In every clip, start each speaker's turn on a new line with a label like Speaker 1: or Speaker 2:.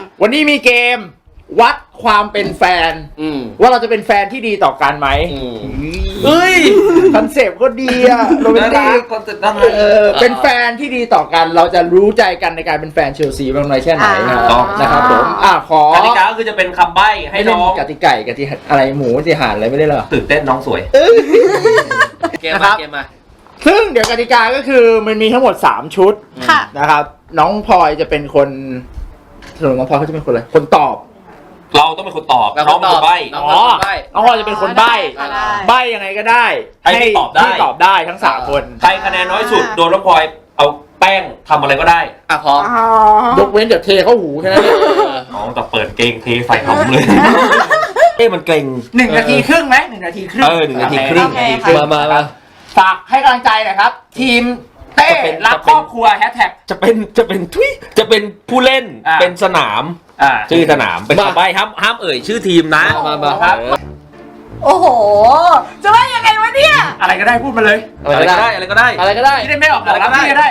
Speaker 1: วันนี้มีเกมวัดความเป็นแฟนว่าเราจะเป็นแฟนที่ดีต่อกันไหมเฮ้ยคอนเซปต์ก็ดีอะโรแมนติกเป็นแฟนที่ดีต่อกันเราจะรู้ใจกันในการเป็นแฟนเชลซีมากน้อยแค่ไหนนะครับผมขอก
Speaker 2: ติกาก็คือจะเป็นคำใบ้ให้น้อง
Speaker 1: กติไก่กติอะไรหมูติห่านอะไรไม่ได้หรอ
Speaker 2: ตื่นเต้นน้องสวยเกมมา
Speaker 1: ซึ่งเดี๋ยวกติกาก็คือมันมีทั้งหมด3ชุดนะครับน้องพลอยจะเป็นคนสรุปน้องพลอยเขาจะเป็นคนอะไรคนตอบ
Speaker 2: เราต้องเป็นคนตอบน้องเป็นคนใบ้
Speaker 1: น้องพลอยจะเป็นคนใบ้ยังไงก็ได้ให้ตอบได้ทั้ง3คน
Speaker 2: ใครคะแนนน้อยสุดโดนน้องพลอยเอาแป้งทำอะไรก็ได้
Speaker 3: พอย
Speaker 1: กเว้นเดี๋ยวเทเข้าหูแค่นั้น
Speaker 2: น้องแต่เปิดเกงเทใส่ทำเลยมันเกรง
Speaker 1: 1 นาทีครึ่งไหม1 นาทีครึ่ง
Speaker 2: 1 นาทีครึ่ง
Speaker 3: มา
Speaker 1: ฝากให้กำลังใจหน่อยครับทีมเต้รักครอบครัวแฮชแท็ก
Speaker 2: จะเป็นผู้เล่นเป็นสนามชื่อสนามเป็นคำใบ้ห้ามเอ่ยชื่อทีมนะ
Speaker 1: มาครับ
Speaker 4: โอ้โหจะว่ายังไงวะเนี่ย
Speaker 1: อะไรก็ได้พูดมาเลย
Speaker 2: อะไรก็ได้
Speaker 1: ที่ได้ไม่ออกอะไรก็ได้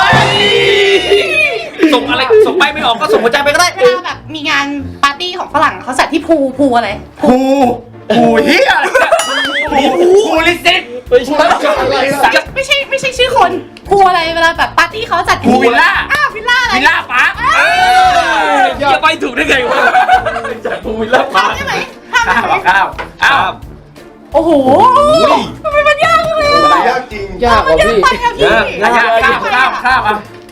Speaker 2: ส่งอะไรส่งใบไม่ออกก็ส่งหัวใจไปก็ได้
Speaker 4: เวลาแบบมีงานปาร์ตี้ของฝรั่งเขาจัดที่พูอะไร
Speaker 1: ภูเฮียภูลิสิต
Speaker 4: ไม่ใช่ชื่อคนพูอะไรเวลาแบบปาร์ตี้เขาจัด
Speaker 1: ภูวิลล่า
Speaker 4: วิลล่าอะไร
Speaker 1: วิลล่าปาร์ค
Speaker 2: จะไปถูกได้ไงวะจัดภูวิลล่าปาร์ค
Speaker 4: ใช่ไหม
Speaker 1: ข้าว
Speaker 4: โอ้โหทำไมมันยากเลย
Speaker 3: ยากจริงยากกว่าพี่
Speaker 1: ข้าว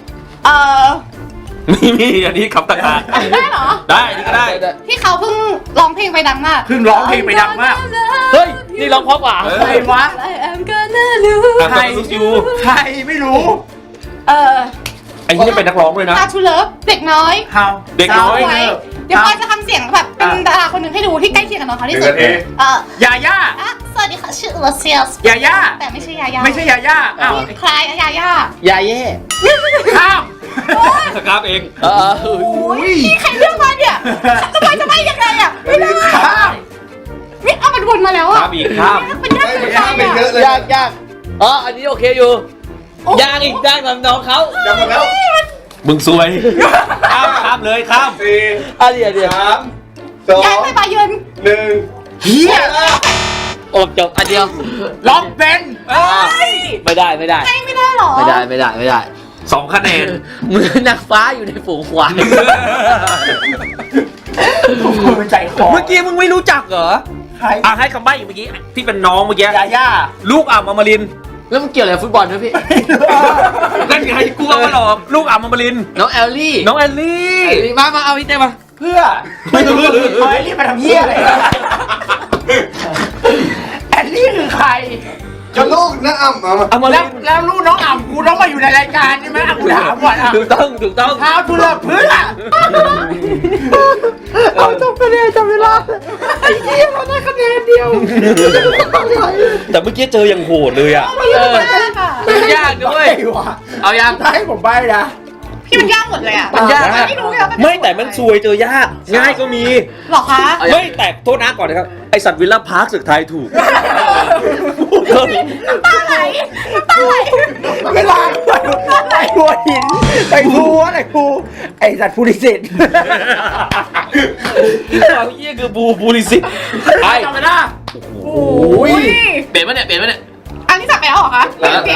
Speaker 2: มีอันนี้คำต่าง
Speaker 4: ๆได้เหรอ
Speaker 2: ได้นี่ก็ได้
Speaker 4: ที่เขาเพิ่งร้องเพลงไปดังมาก
Speaker 1: เพิ่งร้องเพลงไปดังมาก
Speaker 3: เฮ้ยนี่ร้องเพราะกว่า
Speaker 1: ใครวะ
Speaker 2: ใคร
Speaker 1: ไม่รู้
Speaker 2: ไอ้ที่จะเป็นนักร้องด้วยนะ
Speaker 4: How to Love เด็กน้อย
Speaker 2: เด็กน้อย
Speaker 4: เดี๋ยวพอยจะทำเสียงแบบเป็นดาราคนหนึ่งให้ดูที่ใกล้เคียงกับน้องเขาที่สุด
Speaker 1: ยาย่า
Speaker 4: สวัสดีค่ะชื่อเลเซียส
Speaker 1: ยาย่า
Speaker 4: แต่ไม่ใช่ยาย่าคลายยาย่
Speaker 1: ายาเย่ข้าม
Speaker 2: เอง
Speaker 4: นี่ใครเลือกมาเนี่ยทำไมจะไม่ยังไงอ่ะไม่ได้นี่เอามันวนมาแล้วอ่ะ
Speaker 2: ข้าม
Speaker 4: มันยาก
Speaker 3: เป็นเยอะเลยยากอันนี้โอเคอยู่ยากอีกยากน้องเขา
Speaker 1: ยากหมดแล้ว
Speaker 2: มึงซวยข้ามเลยข้าม
Speaker 3: เดี๋ยว
Speaker 4: 3 2 ย้ายไปบาเยิร์น
Speaker 3: 1
Speaker 1: เฮีย
Speaker 3: โอ้จบอันเดียว
Speaker 1: ล็อกเป็น
Speaker 3: ไม่ได้
Speaker 4: ไม่ได้หรอ
Speaker 3: ไม่ได้
Speaker 2: 2 คะแนน
Speaker 3: มือนักฟ้าอยู่ในฝูงควาย
Speaker 2: เมื่อกี้มึงไม่รู้จักเหรอให้คำใบ้อีกเมื่อกี้ที่เป็นน้องเมื่อกี้
Speaker 1: ยาย่า
Speaker 2: ลูกอมริน
Speaker 3: แล้วมันเกี่ยวอะไรฟุตบอลด้วยพี่
Speaker 2: นั่นไงกูเอามาหลอกลูกอมริน
Speaker 3: น้องแอลลี่มาเอาพี่เต้มา
Speaker 1: เพื่อไม่รู้แอลลี่มาทำเหี้ยอะไรแอลลี่คือใคร
Speaker 3: ก็ลูกน้อง
Speaker 1: แล้วลูกน้องอ่ำกูต้องมาอยู่ในรายการใช่ไหมกูถามก่อน
Speaker 2: ถูกต้อง
Speaker 1: เท้าทุเรศเพื่อเอาจบคะแนนจบเวลาไอ้เหี้ยเราได้คะแนนเดียว
Speaker 2: แต่เมื่อกี้เจออย่างโหดเลยอ่ะ
Speaker 3: มันยากด้วยเอายาก
Speaker 1: ให้ผมใบ้นะ
Speaker 4: พี่มันยากหมดเลยอ่ะ
Speaker 2: มันยากไม่แต่มันซวยเจอยากง่ายก็มี
Speaker 4: หรอคะ
Speaker 2: ไม่แต่โทษนะก่อนนะครับไอสัตว์วิลล่าพาร์คสึกไทยถูก
Speaker 4: น้ำตาไหล
Speaker 1: เวลาไปหัวหินไปหัวอะไรกูไอสัตว์ภูริสิทธิ์
Speaker 2: เราเยี่ยคือบูริสิทธิ์
Speaker 1: ไปทำไปนะ
Speaker 4: โอ้ย
Speaker 3: เปลี่ยนมาเนี่ย
Speaker 4: อันนี้จับไปแล้วเหรอคะเปลี่ยน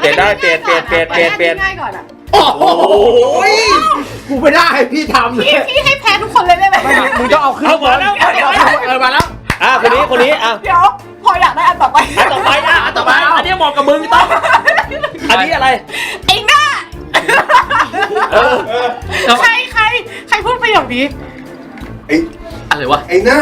Speaker 4: ง่ายก่อนอ่ะ
Speaker 1: โอ้โหกูไม่ได้พี่ทำเลย
Speaker 4: พี่ให้แพ้ทุกคนเลยได้ไหม
Speaker 1: มึงจะเอาขึ้น
Speaker 2: มาแล้ว
Speaker 1: มาแล้ว
Speaker 2: คนนี้
Speaker 4: เดี๋ยวพออยากได้อันต่อไป
Speaker 2: อันนี้เหมาะกับมึงต้องอันนี้อะไร
Speaker 4: ไอ้หน้าใครพูดประโยคนี้
Speaker 3: อะไรวะ
Speaker 4: ไอ้หน้า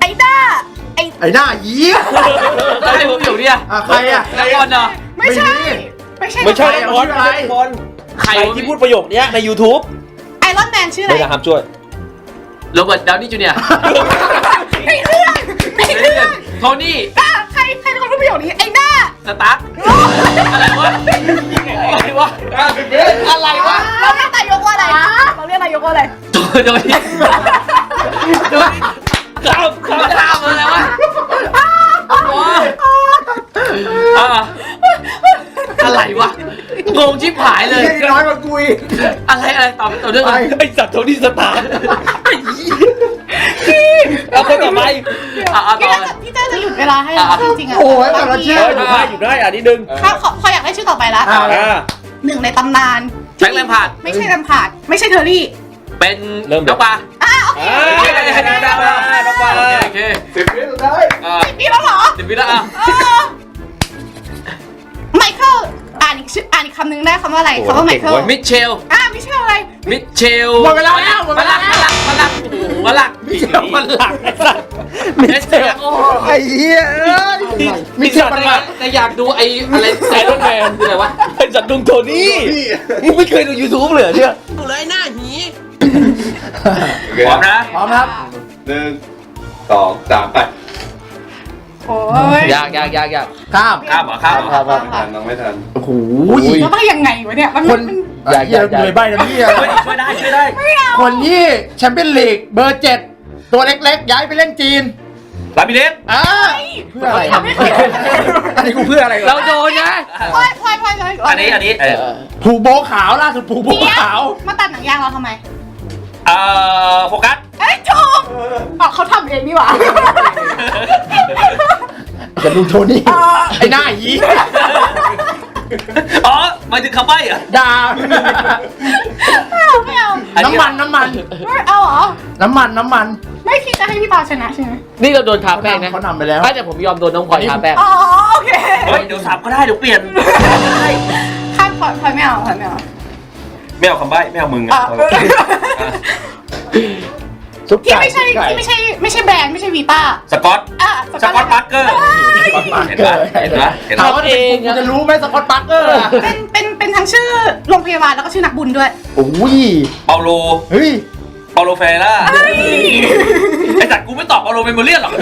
Speaker 1: เยี่ย
Speaker 3: ใครพูดประโยคนี้
Speaker 1: ใครอ่ะ
Speaker 3: นักบอลเหรอ
Speaker 4: ไม่ใช่
Speaker 2: นักบอลใครที่พูดประโยคนี้ใน YouTube
Speaker 4: ไอรอนแมนชื่ออะไร
Speaker 2: ไม่นะครับช่วย
Speaker 3: โรเบิร์ตดาวนี่จูเนียร์
Speaker 4: ในเรื่อง
Speaker 3: โทนี่
Speaker 4: ใครเป็นคนพูดประโยคนี้ไอ้หน้า
Speaker 3: สตาร์อะไรวะเราเรีย
Speaker 4: กนายกว่าอะไร
Speaker 3: โดยข้ามอะไรวะอะไรวะงงชิบหายเลย
Speaker 1: น้อยมากุย
Speaker 3: อะไรตอบเรื่องอะไร
Speaker 2: ไอสัตว์โทนี่สตาร์ไอ้
Speaker 4: พี่เต้จะหยุดเวลาให้เราจริงๆอ่ะ
Speaker 1: โอ้ยแต่ละชื่อ
Speaker 2: อยู่ได้อันนี้ดึง
Speaker 4: เขาอยากได้ชื่อต่อไปละ หนึ่งในตำนาน
Speaker 3: แบงค์แลมพาร์ด
Speaker 4: ไม่ใช่ลำพาดไม่ใช่เทอรี่
Speaker 3: เป็นน้องปลา
Speaker 4: โอเค
Speaker 3: น้องปลาโอเค
Speaker 1: 10 วิสุดท้าย
Speaker 4: พี่แล้วเหรอ
Speaker 3: 10 วิแล้วอ่ะ
Speaker 4: ไมเคิลอ่านอีกคำหนึ่งได้คำว่าอะไรคำว่าไมเคิล
Speaker 3: มิเชล
Speaker 4: ไม่ใช่อะไร
Speaker 3: มิเชล
Speaker 1: หมดเวลาแล้วหมดเวลาแล้ว
Speaker 3: มันหลักมันหลัก
Speaker 2: มันหลักไอ้สัส
Speaker 3: มิเชล
Speaker 1: ไอ้เหี้ยมีเชื่อมันมา
Speaker 3: แต่อยากดูไอ้อะไรไอรอนแมนคืออะไรวะ
Speaker 2: ไอ้สัตว์ดุงโทนี่มึงไม่เคยดู YouTube เลยเนี่ย
Speaker 3: เลยหน้าหี
Speaker 5: โอเค
Speaker 3: พร้อมนะ
Speaker 1: พร้อมครับ
Speaker 5: 1 2 3 ไป
Speaker 4: โอ้ย
Speaker 3: ยาก
Speaker 1: ข้าม
Speaker 3: ข้ามเหรอข้ามเหรอ
Speaker 1: ครับ
Speaker 5: ไม่ทันน้องไม่ทัน
Speaker 1: โอ้โห
Speaker 4: แล้วต้องยังไงวะเนี่ยมัน
Speaker 1: คนอย่าเลยใบนะพี่
Speaker 3: ช่วยได้
Speaker 1: คนที่แชมเปี้ยนลีกเบอร์ 7 ตัวเล็กๆ ย้ายไปเล่นจีน
Speaker 3: ลาบิเลส
Speaker 1: เพื่ออะไรอันนี้กูเพื่ออะไร
Speaker 3: เราโดนนะ
Speaker 4: พลอยเลย
Speaker 3: อันนี้
Speaker 1: ผูโบขาวล่าสุดผูโบขาว
Speaker 4: มาตัดหนังยางเราทำไม
Speaker 3: โฟกัส
Speaker 4: ถูกเขาทำเองนี่หว่า
Speaker 1: จะลุงโทนี่ไอ้หน้ายี
Speaker 3: อ๋อหมายถึงคำใบ้เหรอ
Speaker 1: ด่า
Speaker 4: ไม่เอา
Speaker 1: น้ำมัน
Speaker 4: ไม่เอาเหรอ
Speaker 1: น้ำมัน
Speaker 4: ไม่คิดจะให้พี่ปาชนะใช่ไหม
Speaker 3: นี่เราโดนทาแป้งนะ
Speaker 1: เขานำไปแล้ว
Speaker 3: แต่ผมยอมโดนน้องพลอยทาแป้ง
Speaker 4: อ๋อโอเค
Speaker 3: เฮ้ยเดี๋ยวสับก็ได้เดี๋ยวเปลี่ยน
Speaker 4: ข้ามพลอยไม่เอาพลอยไม่เอา
Speaker 3: ไม่เอาคำใบ้ไม่เอามึง
Speaker 4: ที่ไม่ใช่แบรนด์ไม่ใช่วีต้า
Speaker 3: สกอตสกอตปาร์เกอร์เห็นปะเห็น
Speaker 1: เขา
Speaker 3: ปะ
Speaker 1: เองจะรู้ไหมสกอตปาร์เกอร์
Speaker 4: เป็นทั้งชื่อโรงพยาบาลแล้วก็ชื่อนักบุญด้วย
Speaker 1: โอ้ย
Speaker 3: เปาโล
Speaker 1: เฮ้ย
Speaker 3: เฟร่าไอ้จัดกูไม่ตอบเปาโลเมโมเลียนหรอก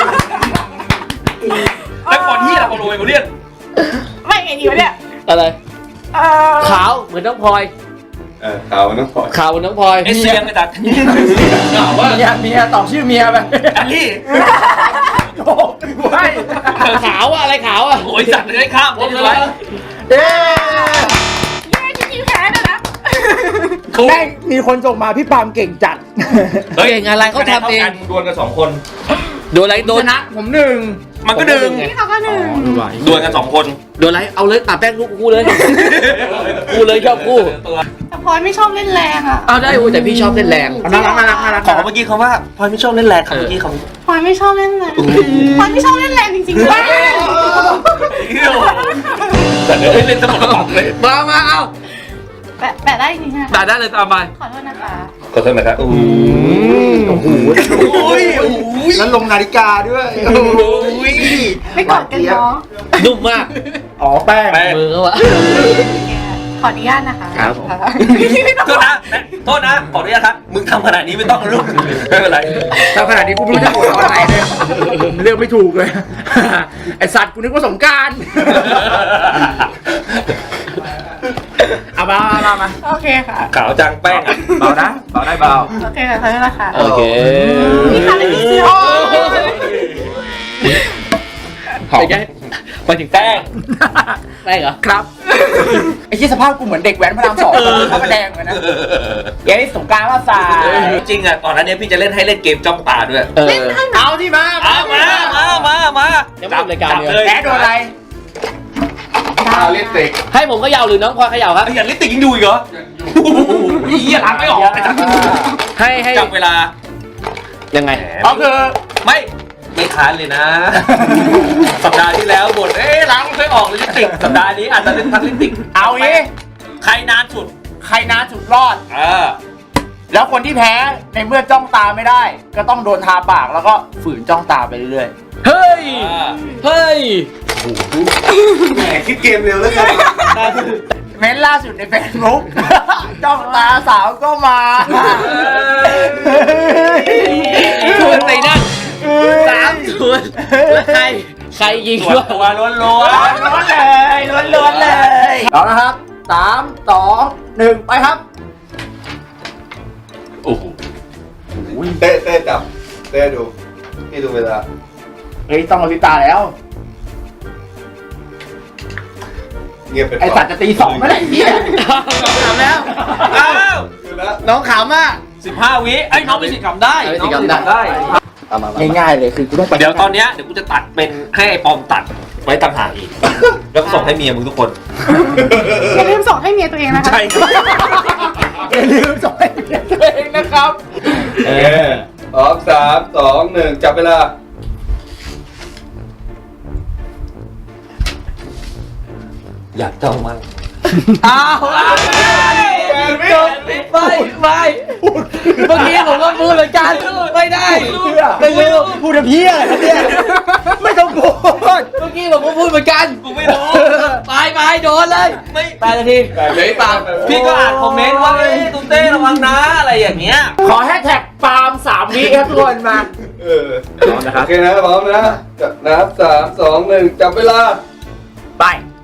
Speaker 3: แต่ก่อนที่เราเปาโลเมโมเลียน
Speaker 4: ไม่ไงดีวะเนี่ย
Speaker 3: อะไรขาวเหมือนน้องพลอย
Speaker 5: ขาวน้องพลอย
Speaker 3: ขาวเหมือนน้องพลอย
Speaker 2: ไอ้เสียงไอ้จัด
Speaker 3: ขาวว่า
Speaker 1: เมียตอบชื่อเมียไป
Speaker 3: อันนี้
Speaker 1: โอ้ย
Speaker 3: ขาวอะอะไรขาวอะโอ้ยจัดเลยข้ามผมเลย
Speaker 1: เอ๊
Speaker 4: จริงๆแพ้เลยนะ
Speaker 1: แม่งมีคนส่งมาพี่ปาล์มเก่งจัด
Speaker 3: เก่งอะไรเขาทำเอง
Speaker 2: ดวลกัน2 คน
Speaker 3: โดนอะไรโด
Speaker 1: ช
Speaker 3: น
Speaker 1: นะผมหนึ่ง
Speaker 2: มันก็ดึง
Speaker 4: พี่เขาก็หนึ่ง
Speaker 2: ดวลกัน2 คน
Speaker 3: โดนอะไรเอาเลยตัดแป้งลูกกูเลยกูเลยชอบกู
Speaker 4: แต่พลอยไม่ชอบเล่นแรงอ่ะ
Speaker 3: เอาได้แต่พี่ชอบเล่นแรง
Speaker 1: น่ารัก
Speaker 2: ขอเมื่อกี้เขาว่าพลอยไม่ชอบเล่นแรงครับเมื่อกี้เขา
Speaker 4: พลอยไม่ชอบเล่นแรงพลอยไม่ชอบเล่นแรงจริงๆด้วย
Speaker 2: แต่เล่นสมองกระป๋องเลย
Speaker 3: มาเอา
Speaker 4: แปะได้จริงๆใช่ไหม
Speaker 3: ตัดได้เลยตามไป
Speaker 4: ขอโทษนะคะ
Speaker 5: ขอโทษนะครับ
Speaker 1: โอ้โหแล้วลงนาฬิกาด้วย
Speaker 4: ไม่กอดกันเนาะ
Speaker 3: นุ่มมาก
Speaker 1: อ๋อแป้ง
Speaker 3: มือเขาอะ
Speaker 4: ขออนุญาตนะคะ
Speaker 3: ครับ
Speaker 2: โทษนะขออนุญาตครับมึงทำขนาดนี้ไม่ต้องลูกไม่เป็นไร
Speaker 1: ถ้าขนาดนี้กูไม่รู้จะกดตอนไหนเลยเลือกไม่ถูกเลย ไอสัตว์กูนึกว่าสงกรารเอามา
Speaker 4: โอเคค่ะ
Speaker 2: ขาวจังแป้ง
Speaker 1: เบานะเบาได้เบา
Speaker 4: โอเคค่ะขอโทษนะคะ
Speaker 3: โอเค
Speaker 4: นี่ค่ะเป็นเสื้อ
Speaker 3: เป็นไงไปถึงแป้งแป้งเหรอ
Speaker 1: ครับไอ้ที่สภาพกูเหมือนเด็กแว้นพระราม2พระประแดงเลยนะเย้สงกรารมาสา
Speaker 2: จริงอ่ะก่อนหน้านี้พี่จะเล่นให้เล่นเกมจ้องตาด้วย
Speaker 3: เออ
Speaker 1: เอาที่มา
Speaker 2: มา
Speaker 3: ยังไม่ทำรายการเลย
Speaker 1: แพ้โดนอะไร
Speaker 5: ลิปสติก
Speaker 3: ให้ผมเขย่าหรือน้องพลอยเขย่าครับ
Speaker 2: ไอ้ยันลิปติกยังดูอีกเหรอเหี้ยล้างไม่ออกไอ้จัด
Speaker 3: ให้
Speaker 2: จับเวลา
Speaker 3: ยังไง
Speaker 1: ก็คือ
Speaker 2: ไม่ค้านเลยนะ สัปดาห์ที่แล้วบ่นล้างไม่ค่อยออกเลยลิปติกสัปดาห์นี้อาจจะเล่นทั้งลิปติก
Speaker 1: เอางี้
Speaker 2: ใครนานสุด
Speaker 1: ใครนานสุดรอด
Speaker 2: อ
Speaker 1: แล้วคนที่แพ้ในเมื่อจ้องตาไม่ได้ ก็ต้องโดนทาปากแล้วก็ฝืนจ้องตาไปเรื่อย
Speaker 3: เฮ้ย เฮ้ย
Speaker 5: แหมคิดเกมเร็วแล้วกัน
Speaker 1: ๆเม้นล่าสุดในเฟซบุ๊ก จ้องตาสาวก็มา
Speaker 3: ชวนไปนั่น3 ชวนแล้วใครยิง
Speaker 2: ตัว
Speaker 3: วะ
Speaker 2: ตัวล้วน
Speaker 1: ล้วนเลยเอาละครับ3 2 1ไปครับ
Speaker 2: โอ้โห
Speaker 5: เต้จับเต้ดูพี่ดูเวลา
Speaker 1: เฮ้ยต้องมาพิตาแล้ว
Speaker 5: เงียบเป็น
Speaker 1: ไอสัตว์จะตี2เมื่อไหร่พี่
Speaker 3: ทำแล้ว
Speaker 2: อ้าว
Speaker 5: ดูแล้ว
Speaker 3: น้องขำอ่ะ
Speaker 2: 15 วิไอ้น้องมีสิทธิ์กำได้
Speaker 3: มีสิทธิ์กำได้เอามา
Speaker 1: ง่ายๆเลยคือกูต้องไป
Speaker 2: เดี๋ยวตอนเนี้ยเดี๋ยวกูจะตัดเป็นให้ไอ้ปอมตัดไว้ต่างหากอีก แล้วก็ส่งให้เมียมึงทุกคน
Speaker 4: อย่าลืมส่งให้เมียตัวเองนะคะ
Speaker 2: ใช่
Speaker 1: อย่าลืมส่งให้เมียตัวเองนะครับ
Speaker 5: พร้อม3 2 1จับเวลา
Speaker 2: อยากเจ้ามัน
Speaker 3: อ้าวจบไม่เมื่อกี้ผมก็พูดเหมือนกันไม่ได้ไม่รู้
Speaker 1: พูดกับพี่อะไรเนี่ยไม่ต้องพูด
Speaker 3: เมื่อกี้ผมก็พูดเหมือนกัน
Speaker 2: กูไม่รู้
Speaker 3: ไปโดนเลย
Speaker 2: ไม่
Speaker 3: 8 นาทีเหลืออีกปาม
Speaker 2: พี่ก็อ่านคอมเมนต์ว่าเฮ้ยตุ้เต้ระวังนะอะไรอย่างเงี้ย
Speaker 1: ขอแฮชแท็กปาล์ม3 วิครับทุกคนมา
Speaker 5: พร้อมนะครับโอเคนะพร้อมนะจับนับ3 2 1จับเวลา
Speaker 1: ไป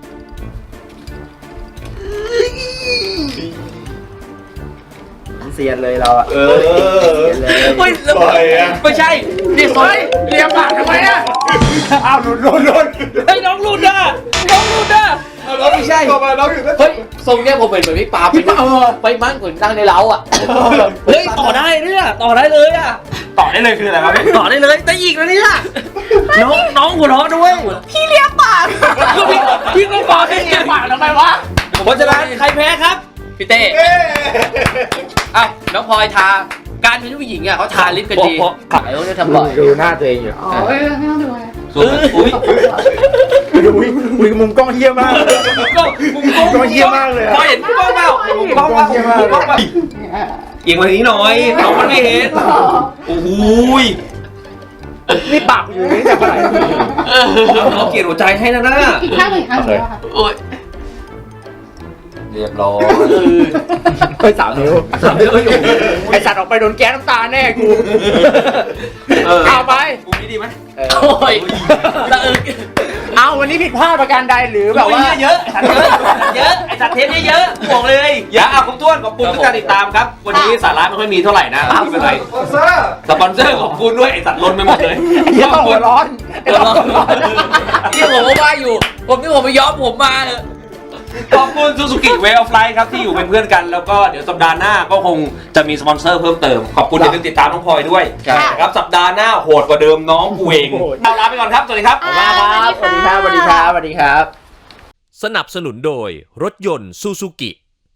Speaker 1: เสียนเลยเราอะ
Speaker 5: เออ
Speaker 3: เฮ้ย
Speaker 5: ปล่อยอะ
Speaker 3: ไม่ใช่นี่ซอย
Speaker 1: เลียปากทำไมอะอ้าวหลุด
Speaker 3: เฮ้ยน้องรุ่นอ่ะเราไม่ใช่
Speaker 5: ต่อมาน้องอยู่นะ
Speaker 3: เฮ้ยทรงเนี้ยผมเหมือนพี่ปาไปมั่งขนตั้งในเล้าอ่ะเฮ้ยต่อได้เนี่ยต่อได้เลยอ่ะ
Speaker 2: ต่อได้เลยคืออะไรครับพี่
Speaker 3: ต่อได้เลยแต่อีกแล้วเนี่ยน้องหัวเราะด้วย
Speaker 4: พี่เลี้ยงปาก
Speaker 3: พี่ก็บอกให้
Speaker 1: เลียปากทำไมวะ
Speaker 3: เพราะฉะนั้นใครแพ้ครับพี่เต้
Speaker 5: เอ๊ะ
Speaker 3: อ้าวน้องพลอยทาการเป็นผู้หญิงอ่ะเขาทาลิปกันดีไอ้พวกนี้ทำบ่อย
Speaker 1: ดูหน้าตัวเองอยู่
Speaker 4: อ๋อไม่ต้องดูเลย
Speaker 2: อุ้ย
Speaker 1: อุ้ยมุมกล้องเฮี้ยมาก
Speaker 2: มุม
Speaker 1: กล้องเฮี้ยมากเลย
Speaker 2: พอเห็นมุมกล้องเปล่ามุมกล้องเปล่ามุมกล้องเปล่าเอียงมาทางนี้หน่อยน้องมันไม่เห็นโอ้ย
Speaker 1: นี่ปากอยู่นี่แต่เมื่อไหร่
Speaker 2: เราเกลียดหัวใจให้นะน่ะ
Speaker 4: อีกข้างหนึ่งข้างเดียวค่ะ
Speaker 2: โอ้ยเรียบร้อย
Speaker 1: ไป3 นิ้วไอสัตว์ออกไปโดนแก๊สน้ำตาแน่กูเอาไป
Speaker 2: กูนี้ดีไหม
Speaker 3: โอ้ยตะอึก
Speaker 1: เอาวันนี้ผิดพลาดประการใดหรือแบบว่า
Speaker 2: เยอะไอ้สัตว์เทปเยอะบอกเลยอย่าขอบคุณขอบคุณทุกการติดตามครับวันนี้สาระไม่ค่อยมีเท่าไหร่นะไม่เป็นไร
Speaker 5: สปอนเซอร์
Speaker 2: สปอนเซอร์ขอบคุณด้วยไอ้สัตว์ล้นไปหมดเลย
Speaker 1: เฮี้ยต้องหัวร้อน
Speaker 3: ที่ผมก็ว่าอยู่ผมนี่ผมไปย้อมผมมาเถอะ
Speaker 2: ขอบคุณ Suzuki Way of Life ครับที่อยู่เป็นเพื่อนกันแล้วก็เดี๋ยวสัปดาห์หน้าก็คงจะมีสปอนเซอร์เพิ่มเติมขอบคุณที่ติดตามน้องพลอยด้วยนะครับสัปดาห์หน้าโหดกว่าเดิมน้องกูเองเอาลาไปก่อนครับสวัสดีครับ
Speaker 1: สวัสดีครับ
Speaker 2: สนับสนุนโดยรถยนต์ Suzuki